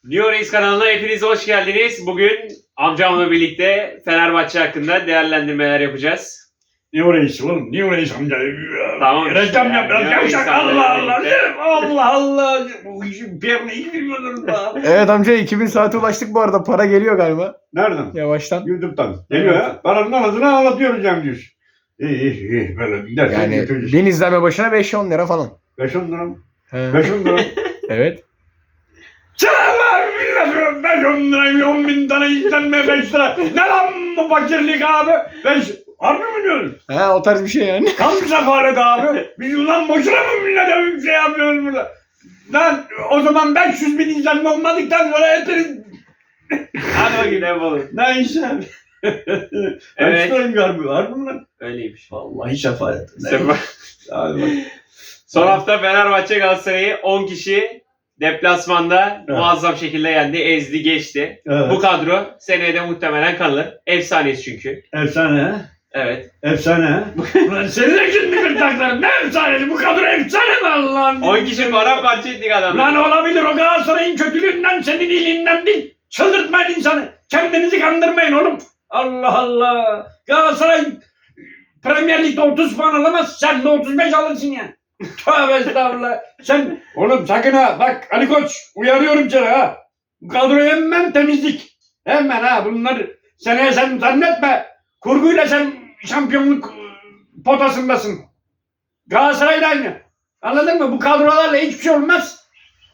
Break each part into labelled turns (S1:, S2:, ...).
S1: New Reis kanalına hepiniz hoş geldiniz. Bugün amcamla birlikte Fenerbahçe hakkında değerlendirmeler yapacağız.
S2: New Reis oğlum, New Reis amca.
S1: Tamam işte
S2: Reklam
S1: ya,
S2: yap biraz
S1: New Reis
S2: yavşak.
S1: amca
S2: Allah Allah.
S1: birlikte.
S2: Allah Allah. Bu işin piyerine iyi bilmiyorum da.
S3: Evet amca 2000 saate ulaştık bu arada. Para geliyor galiba.
S2: Nereden?
S3: Yavaştan.
S2: YouTube'dan. Geliyor ha. Paranın anasını anlatıyoruz Cem diyorsun. İyi. Böyle gidersen
S3: Yani
S2: götüreceğiz.
S3: 1000 izlenme başına 5-10 lira falan.
S2: 5-10 lira mı?
S3: He.
S2: 5-10 lira mı?
S3: Evet.
S2: Çağlar millet 5-10 lira, 10 bin tane izlenme 5 lira. Ne lan bu fakirlik abi? 5. Harbi mi diyorsun?
S3: He o tarz bir şey yani.
S2: Tam sefalet abi. Biz ulan boşuna mı millete bir şey yapıyoruz burada? Lan o zaman 500 bin izlenme olmadıktan sonra hepiniz...
S1: Hadi bakayım ne yapalım.
S2: Ne iş abi?
S1: Evet.
S2: Evet. Kaç galiba? Harbi mi lan?
S1: Öyleymiş.
S2: Vallahi sefalet. Abi bak.
S1: Son hafta Fenerbahçe Galatasaray'ı 10 kişi deplasmanda
S2: Evet.
S1: muazzam şekilde yendi, ezdi, geçti.
S2: Evet.
S1: Bu kadro seneye de muhtemelen kalır. Efsaneyiz çünkü.
S2: Efsane ha?
S1: Evet.
S2: Efsane ha? Ulan senin de şimdi gırtlakların ne efsanesi? Bu kadar efsane mi Allah'ım?
S1: 10 kişi paramparça ettik adamı.
S2: Lan olabilir o Galatasaray'ın kötülüğünden senin iyiliğinden değil. Çıldırtmayın insanı. Kendinizi kandırmayın oğlum. Allah Allah. Galatasaray Premier Lig'de 30 puan alamaz. Sen de 35 alırsın ya. Tövbe estağfurullah. Sen oğlum sakın ha. Bak Ali Koç uyarıyorum seni ha. Bu kadroyu hemen temizlik. Hemen ha bunlar seneye sen zannetme. Kurguyla sen şampiyonluk potasındasın. Galatasaray da aynı. Anladın mı? Bu kadrolarla hiçbir şey olmaz.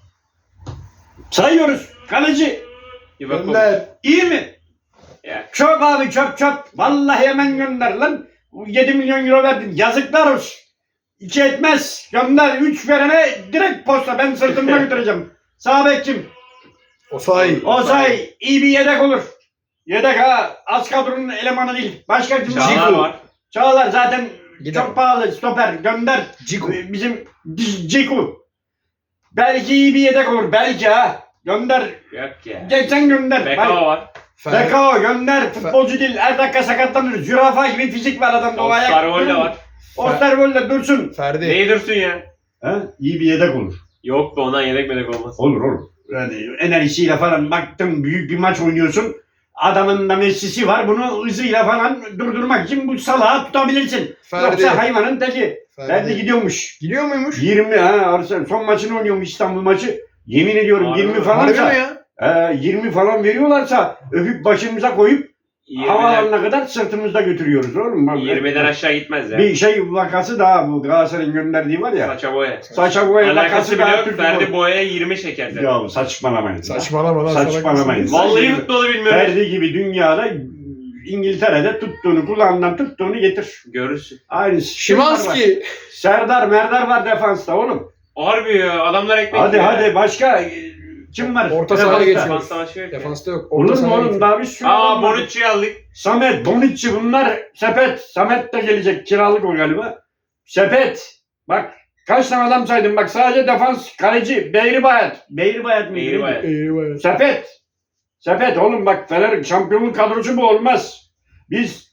S2: Sayıyoruz. Kaleci.
S1: Bir bakalım.
S3: Gönder.
S2: İyi mi?
S1: Ya.
S2: Çöp abi çöp. Vallahi hemen gönder lan. 7 milyon euro verdin. Yazıklar olsun. 2 etmez. Gönder. 3 verene direkt posta. Ben sırtımda götüreceğim. Sağ bek kim?
S3: Osay.
S2: Osay. İyi bir yedek olur. Yedek ha. Az kadronun elemanı değil. Başka kim?
S1: Çağlar
S2: Ciku.
S1: var.
S2: Çağlar zaten
S3: Gider.
S2: çok pahalı. Stoper. Gönder.
S3: Ciku.
S2: Bizim Ciku. Belki iyi bir yedek olur. Belki ha. Gönder.
S1: Yok ya.
S2: Geçen gönder.
S1: Bekao var.
S2: Bekao gönder. Futbolcu değil. Her dakika sakatlanır. Zürafa gibi fizik var adamda. O ayak.
S1: Osterwolde var.
S2: Osterwolde dursun.
S3: Ferdi.
S1: Neyi dursun ya?
S2: Ha? İyi bir yedek olur.
S1: Yok be ondan yedek medek olmaz.
S2: Olur. Yani enerjisiyle falan baktım büyük bir maç oynuyorsun. Adamın da Messi'si var. Bunu hızıyla falan durdurmak için bu salağı tutabilirsin.
S3: Ferdi.
S2: Yoksa hayvanın teki. Ferdi gidiyormuş.
S3: Gidiyor muymuş?
S2: 20 ha Arsenal son maçını oynuyormuş İstanbul maçı. Yemin ediyorum
S1: Harbi
S2: 20
S1: mi?
S3: Harbi mi
S2: falansa
S3: ya?
S2: 20 falan veriyorlarsa öpüp başımıza koyup
S1: 20'den,
S2: havalarına kadar sırtımızda götürüyoruz oğlum. Bak,
S1: 20'den aşağı gitmez ya.
S2: bir şey vakası daha bu Galatasaray'ın gönderdiği var ya.
S1: Saça boya.
S2: Saça boya
S1: Alakası
S2: vakası
S1: bile
S2: daha
S1: yok.
S2: Türk
S1: Ferdi
S2: futbolu.
S1: boyaya 20 çeker zaten.
S2: Ya saçmalamayın.
S3: Saçmalama lan.
S2: Saçmalamayın.
S1: Vallahi futbolu bilmiyorum.
S2: Ferdi gibi dünyada İngiltere'de tuttuğunu kulağından tuttuğunu getir.
S1: Görürsün.
S2: Aynısı.
S3: Şimanski.
S2: Serdar Merdar var defansta oğlum.
S1: Harbi ya adamlar ekmek
S2: Hadi
S1: yiyor.
S2: hadi başka kim var?
S3: Orta sahaya
S2: Defansta.
S3: geçiyor.
S1: Defansta başka yok ya.
S3: Defansta yok.
S2: Olur mu
S3: sahaya
S2: oğlum
S3: geçiyor.
S2: daha bir sürü
S1: Aa
S2: adam var.
S1: Bonucci'yi aldık.
S2: Samet, Bonucci bunlar sepet. Samet de gelecek kiralık o galiba. Sepet. Bak kaç tane adam saydım bak sadece defans kaleci Beyribayat. Beyribayat mı?
S1: Beyribayat.
S3: Eyvah.
S2: Sepet. Sepet oğlum bak Fener şampiyonluk kadrosu bu olmaz. Biz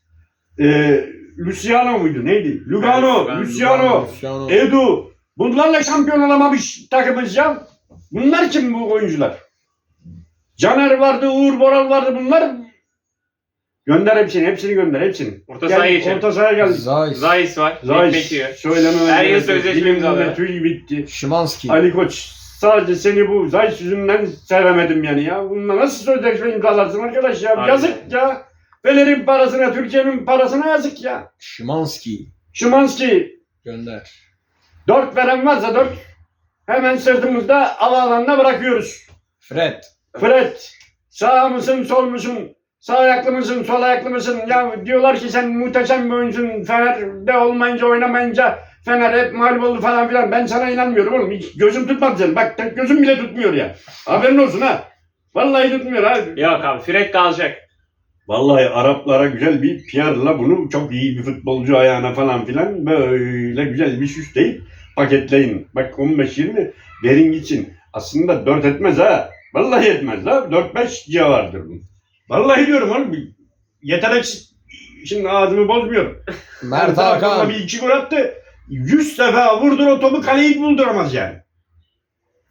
S2: Luciano muydu neydi? Lugano,
S1: Evet,
S2: Luciano, Edu. Bunlarla şampiyon olamamış takımız ya. Bunlar kim bu oyuncular? Caner vardı, Uğur Boral vardı bunlar. Gönder hepsini gönder hepsini.
S1: Orta sahaya geçelim.
S2: Orta sahaya geldik.
S3: Zayis.
S1: Zayis var.
S2: Zayis.
S1: Ekmek yiyor.
S2: Söylemem.
S1: Her yıl
S2: gerek yok.
S1: sözleşme
S2: Dilimde
S1: imzaladı.
S2: tüy bitti.
S3: Şimanski.
S2: Ali Koç sadece seni bu Zayis yüzünden sevemedim yani ya. Bununla nasıl sözleşme imzalarsın arkadaş ya?
S1: Aynen.
S2: Yazık ya. Fener'in parasına, Türkiye'nin parasına yazık ya.
S3: Şimanski.
S2: Şimanski
S3: Gönder.
S2: 4 veren varsa 4 hemen sırtımızda havaalanına bırakıyoruz.
S3: Fred.
S2: Fred sağ mısın sol musun? Sağ ayaklı mısın sol ayaklı mısın? Ya diyorlar ki sen muhteşem bir oyuncusun. Fener'de olmayınca oynamayınca Fener hep mağlup oldu falan filan. Ben sana inanmıyorum oğlum. Hiç gözüm tutmadı senin. Bak tek gözüm bile tutmuyor ya. Haberin olsun ha. Vallahi tutmuyor ha.
S1: Yok abi Fred kalacak.
S2: Vallahi Araplara güzel bir PR'la bunu çok iyi bir futbolcu ayağına falan filan böyle güzel bir süsleyip paketleyin. Bak 15-20 verin gitsin. Aslında 4 etmez ha. Vallahi etmez ha. 4-5 civardır bu. Vallahi diyorum oğlum. Yetenek şimdi ağzımı bozmuyor.
S3: Mert
S2: Hakan
S3: Hakan.
S2: bir 2 gol attı. 100 sefer vurdur o topu kaleyi bulduramaz yani.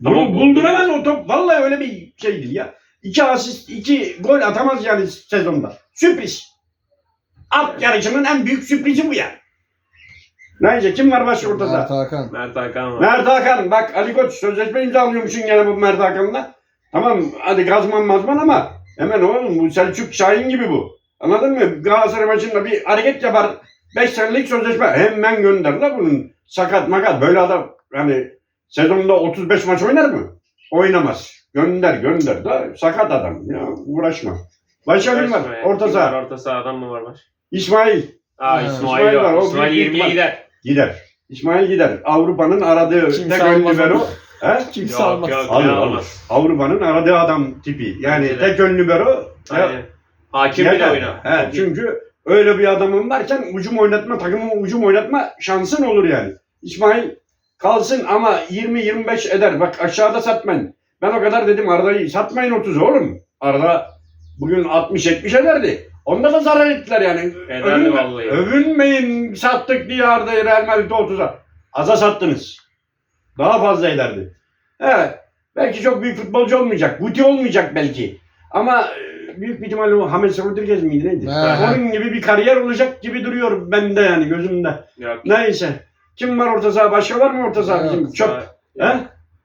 S1: Ama
S2: Bulduramaz o top. Vallahi öyle bir şey değil ya. 2 asist, 2 gol atamaz yani sezonda. Sürpriz. At yarışının en büyük sürprizi bu yani. Neyse kim var başka ortada?
S3: Mert Hakan.
S1: Mert Hakan var.
S2: Mert Hakan. Bak Ali Koç sözleşme imzalıyormuşsun gene bu Mert Hakan'la. Tamam hadi gazman mazman ama hemen oğlum bu Selçuk Şahin gibi bu. Anladın mı? Galatasaray maçında bir hareket yapar. 5 senelik sözleşme. Hemen gönder la bunun. Sakat makat. Böyle adam hani sezonda 35 maç oynar mı? Oynamaz. Gönder da sakat adam. Ya uğraşma. Başka kim var? Orta saha.
S1: Orta sahadan mı var baş?
S2: İsmail.
S1: Aa
S3: Ha,
S1: İsmail
S2: İsmail var,
S1: var.
S2: o
S1: İsmail
S2: büyük
S1: 20'ye
S2: ihtimal.
S1: gider.
S2: Gider. İsmail gider. Avrupa'nın aradığı
S3: Kimse
S2: tek
S3: almaz
S2: ön libero.
S3: onu.
S2: He?
S3: Kimse
S1: Yok,
S3: almaz.
S1: yok.
S2: Alır,
S1: Ne
S2: alır.
S1: almaz.
S2: Avrupa'nın aradığı adam tipi. Yani
S1: Bence de.
S2: tek ön libero.
S1: Aynen. Hakim bile
S2: Yeter.
S1: oynar.
S2: He, çünkü öyle bir adamın varken ucum oynatma, takımın ucum oynatma şansın olur yani. İsmail kalsın ama 20-25 eder. Bak aşağıda satmayın. Ben o kadar dedim Arda'yı satmayın 30 oğlum. Arda bugün 60-70 ederdi. Onda da zarar ettiler yani.
S1: Ederdi vallahi.
S2: Övünmeyin sattık diye Arda'yı Real Madrid'e 30'a. Aza sattınız. Daha fazla ederdi. Evet. Belki çok büyük futbolcu olmayacak. Guti olmayacak belki. Ama büyük bir ihtimalle o James Rodriguez miydi neydi?
S3: He.
S2: Onun gibi bir kariyer olacak gibi duruyor bende yani gözümde.
S1: Yok.
S2: Neyse. Kim var orta saha? Başka var mı orta saha
S3: Yok.
S2: bizim? Çok. He?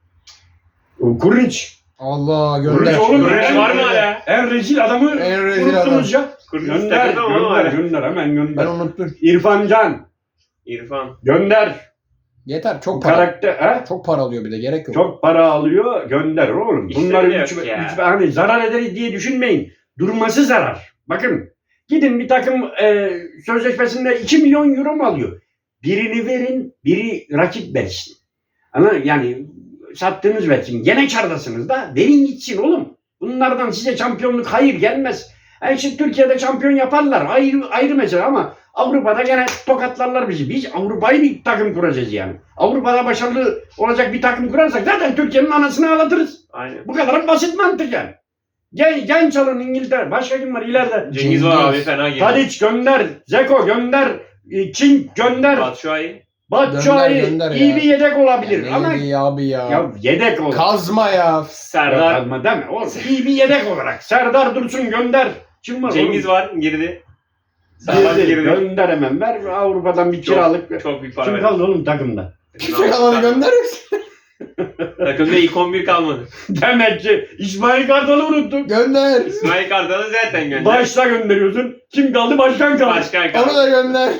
S2: Kurniç.
S3: Allah
S2: Kurniç
S3: gönder.
S2: oğlum.
S1: Kurniç var mı hala?
S2: En rezil adamı
S3: En rezil
S2: unuttunuz ya.
S1: Kurniç
S2: Gönder,
S1: takıldı ama
S2: gönder,
S1: hala.
S2: gönder, hemen gönder.
S3: Ben unuttum.
S2: İrfan Can,
S1: İrfan.
S2: gönder.
S3: Yeter çok para.
S2: Karakter, he?
S3: Çok para alıyor bir de gerek yok.
S2: Çok para alıyor, gönder oğlum.
S1: İşte
S2: Bunları
S1: bile
S2: üç,
S1: yok ya.
S2: hani zarar ederiz diye düşünmeyin. Durması zarar. Bakın, gidin bir takım sözleşmesinde 2 milyon euro mu alıyor? Birini verin, biri rakip versin. Yani sattığınız versin. Gene kârdasınız da verin gitsin oğlum. Bunlardan size şampiyonluk hayır gelmez. Yani şimdi Türkiye'de şampiyon yaparlar. Ayrı mesele ama Avrupa'da gene tokatlarlar bizi. Biz Avrupa'yı bir takım kuracağız yani. Avrupa'da başarılı olacak bir takım kurarsak zaten Türkiye'nin anasını ağlatırız.
S1: Aynen.
S2: Bu kadar basit mantık yani. Genç alın İngiltere. Başka kim var ileride?
S1: Cengiz var abi fena geliyor.
S2: Tadic gönder. Zeko gönder. King gönder.
S1: Batshuayi.
S2: Batshuayi
S3: Gönder
S2: iyi
S3: ya.
S2: bir yedek olabilir
S3: Ya
S2: ama
S3: neydi abi ya?
S2: ya yedek olur.
S3: Kazma ya.
S1: Serdar.
S2: Kazma deme oğlum. İyi bir yedek olarak. Serdar Dursun gönder. Kim var
S1: Cengiz
S2: oğlum?
S1: var girdi. Serdar
S2: Girdi.
S1: girdi.
S2: Gönder hemen. Ver Avrupa'dan bir
S1: Çok-
S2: kiralık.
S1: Çok büyük para
S2: Kim
S1: verdi.
S2: kaldı oğlum takımda?
S3: Kimse kalmadı gönder yoksa.
S1: Takımda ilk 11 kalmadı.
S2: Demek ki İsmail Kartal'ı unuttun.
S3: Gönder.
S1: İsmail Kartal'ı zaten gönder.
S2: Başta gönderiyorsun. Kim kaldı? Başkan kaldı.
S1: Başkan
S3: Onu
S1: kaldı.
S3: da gönder.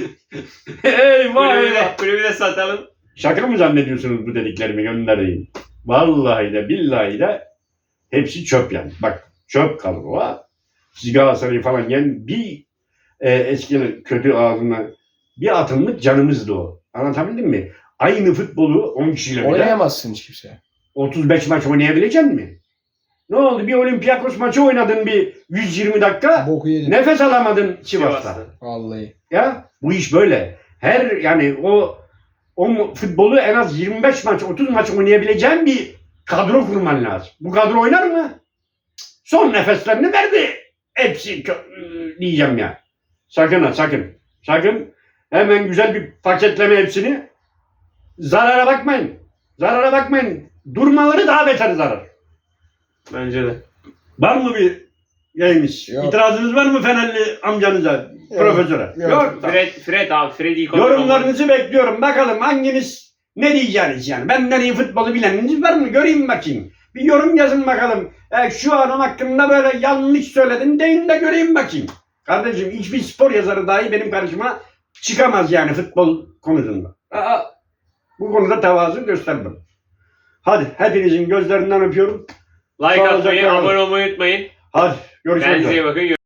S2: Eyvah
S1: Kulübü
S2: eyvah.
S1: de, kulübü de satalım.
S2: Şaka mı zannediyorsunuz bu dediklerimi göndereyim? Vallahi de billahi de hepsi çöp yani. Bak çöp kalır o ha. Siz Galatasaray'ı falan yani bir eski kötü ağzına bir atımlık canımızdı o. Anlatabildim mi? Aynı futbolu 10 kişiyle bile
S3: Oynayamazsın hiç kimse.
S2: 35 maç oynayabilecek mi? Ne oldu? Bir Olympiakos maçı oynadın bir 120 dakika.
S3: Boku yedin.
S2: Nefes alamadın Sivas'ta.
S1: Sivas'ta.
S3: Vallahi.
S2: Ya bu iş böyle. Her yani o futbolu en az 25 maç 30 maç oynayabileceğin bir kadro kurman lazım. Bu kadro oynar mı? Son nefeslerini verdi. Hepsi diyeceğim ya. Sakın ha sakın. Sakın hemen güzel bir paketleme hepsini. Zarara bakmayın. Zarara bakmayın. Durmaları daha beter zarar.
S1: Bence de.
S2: Var mı bir yaymış?
S3: Yok.
S2: İtirazınız var mı Fenerli amcanıza, profesöre?
S3: Yok.
S2: Tamam.
S1: Fred abi. Fred ilk 11 olmadı.
S2: Yorumlarınızı bekliyorum. Bakalım hanginiz ne diyeceğiniz yani. Benden iyi futbolu bileniniz var mı? Göreyim bakayım. Bir yorum yazın bakalım. Şu adam hakkında böyle yanlış söyledim deyin de göreyim bakayım. Kardeşim hiçbir spor yazarı dahi benim karşıma çıkamaz yani futbol konusunda. Bu konuda tevazu gösterdim. Hadi hepinizin gözlerinden öpüyorum.
S1: Like
S2: Sağlıcakla
S1: atmayı,
S2: kalın.
S1: abone olmayı unutmayın.
S2: Hadi görüşmek üzere.
S1: Kendinize iyi bakın.